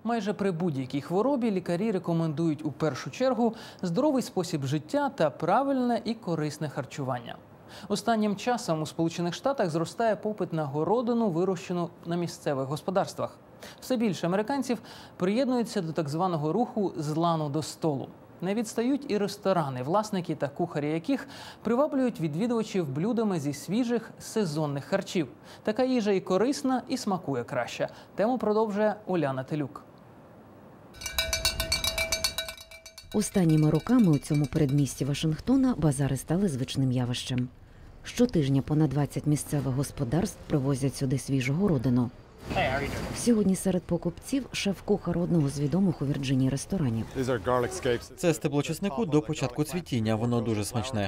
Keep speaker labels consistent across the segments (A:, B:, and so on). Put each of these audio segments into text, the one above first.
A: Майже при будь-якій хворобі лікарі рекомендують у першу чергу здоровий спосіб життя та правильне і корисне харчування. Останнім часом у Сполучених Штатах зростає попит на городину, вирощену на місцевих господарствах. Все більше американців приєднуються до так званого руху «з лану до столу». Не відстають і ресторани, власники та кухарі яких приваблюють відвідувачів блюдами зі свіжих сезонних харчів. Така їжа і корисна, і смакує краще. Тему продовжує Уляна Телюк.
B: Останніми роками у цьому передмісті Вашингтона базари стали звичним явищем. Щотижня понад 20 місцевих господарств привозять сюди свіжу городину. Сьогодні серед покупців шеф-кухар одного з відомих у Вірджинії ресторанів.
C: Це стебло чеснику до початку цвітіння, воно дуже смачне.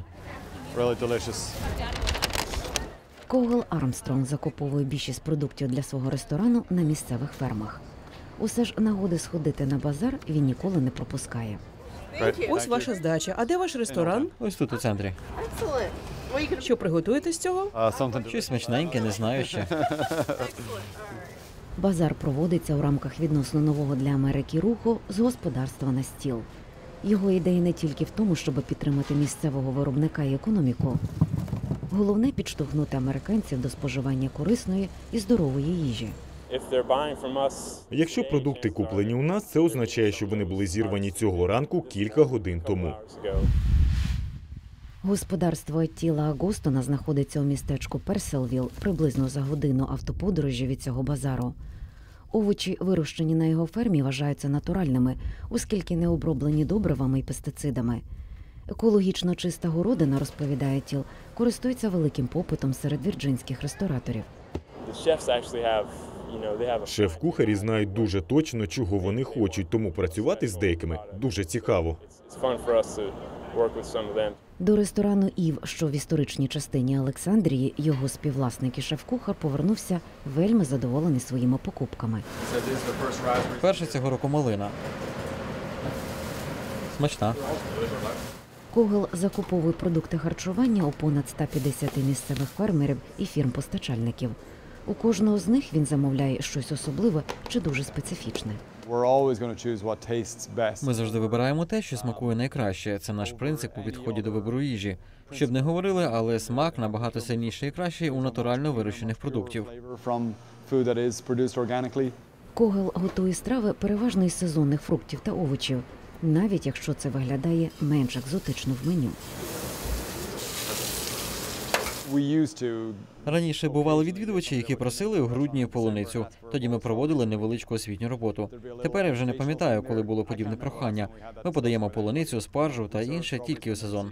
B: Когел Армстронг закуповує більшість продуктів для свого ресторану на місцевих фермах. Усе ж нагоди сходити на базар він ніколи не пропускає.
D: Ось ваша здача. А де ваш ресторан?
C: Ось тут у центрі.
D: Що приготуєте з цього?
C: Щось смачненьке, не знаю ще.
B: Базар проводиться у рамках відносно нового для Америки руху «З господарства на стіл». Його ідея не тільки в тому, щоб підтримати місцевого виробника і економіку. Головне – підштовхнути американців до споживання корисної і здорової їжі.
E: Якщо продукти куплені у нас, це означає, що вони були зірвані цього ранку кілька годин тому.
B: Господарство Тіла Агостона знаходиться у містечку Перселвіл, приблизно за годину автоподорожі від цього базару. Овочі, вирощені на його фермі, вважаються натуральними, оскільки не оброблені добривами і пестицидами. Екологічно чиста городина, розповідає Тіл, користується великим попитом серед вірджинських рестораторів.
E: Шеф-кухарі знають дуже точно, чого вони хочуть, тому працювати з деякими дуже цікаво.
B: До ресторану «Ів», що в історичній частині Олександрії, його співвласник і шеф-кухар повернувся вельми задоволений своїми покупками.
C: Перша цього року малина. Смачна.
B: Когел закуповує продукти харчування у понад 150 місцевих фермерів і фірм-постачальників. У кожного з них він замовляє щось особливе чи дуже специфічне.
C: Ми завжди вибираємо те, що смакує найкраще. Це наш принцип у підході до вибору їжі. Щоб не говорили, але смак набагато сильніший і кращий у натурально вирощених продуктів.
B: Когел готує страви переважно із сезонних фруктів та овочів, навіть якщо це виглядає менш екзотично в меню.
C: Раніше бували відвідувачі, які просили у грудні полуницю. Тоді ми проводили невеличку освітню роботу. Тепер я вже не пам'ятаю, коли було подібне прохання. Ми подаємо полуницю, спаржу та інше тільки у сезон.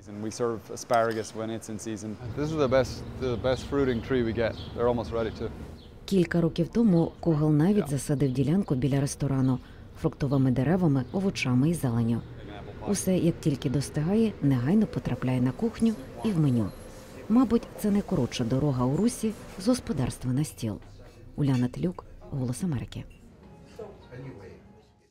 B: Кілька років тому Когел навіть засадив ділянку біля ресторану фруктовими деревами, овочами і зеленню. Усе, як тільки достигає, негайно потрапляє на кухню і в меню. Мабуть, це найкоротша дорога у русі з господарства на стіл. Уляна Телюк, «Голос Америки».